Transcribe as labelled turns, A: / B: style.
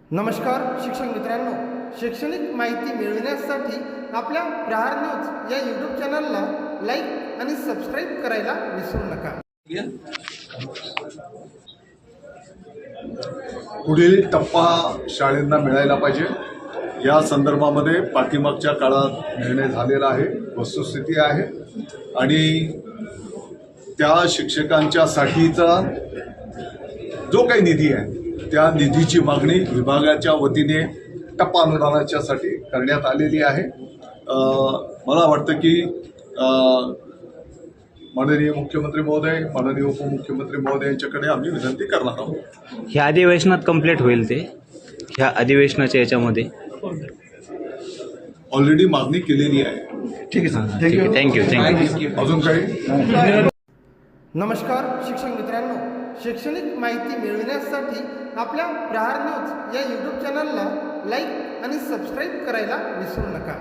A: नमस्कार शिक्षक मित्रांनो, शैक्षणिक माहिती मिळविण्यासाठी आपल्या प्रहार न्यूज या यूट्यूब चॅनलला लाईक आणि सबस्क्राईब करायला विसरू नका.
B: पुढील टप्पा शाळांना मिळायला पाहिजे या संदर्भामध्ये पाठीमागच्या काळात निर्णय झालेला आहे, वस्तुस्थिती आहे आणि त्या शिक्षकांच्यासाठीचा जो काही निधी आहे त्या निधीची मागणी विभागाच्या वतीने टप्पा अनुदानाच्यासाठी करण्यात आलेली आहे. मला वाटतं की माननीय मुख्यमंत्री महोदय, माननीय उपमुख्यमंत्री महोदय यांच्याकडे आम्ही विनंती करणार आहोत.
C: ह्या अधिवेशनात कंप्लीट होईल ते, ह्या अधिवेशनाच्या याच्यामध्ये
B: ऑलरेडी मागणी केलेली आहे.
C: ठीक आहे, थँक्यू.
B: अजून काही?
A: नमस्कार शिक्षक मित्रांनो, शैक्षणिक माहिती मिळविण्यासाठी आपल्या प्रहार न्यूज या यूट्यूब चॅनलला लाईक आणि सबस्क्राईब करायला विसरू नका.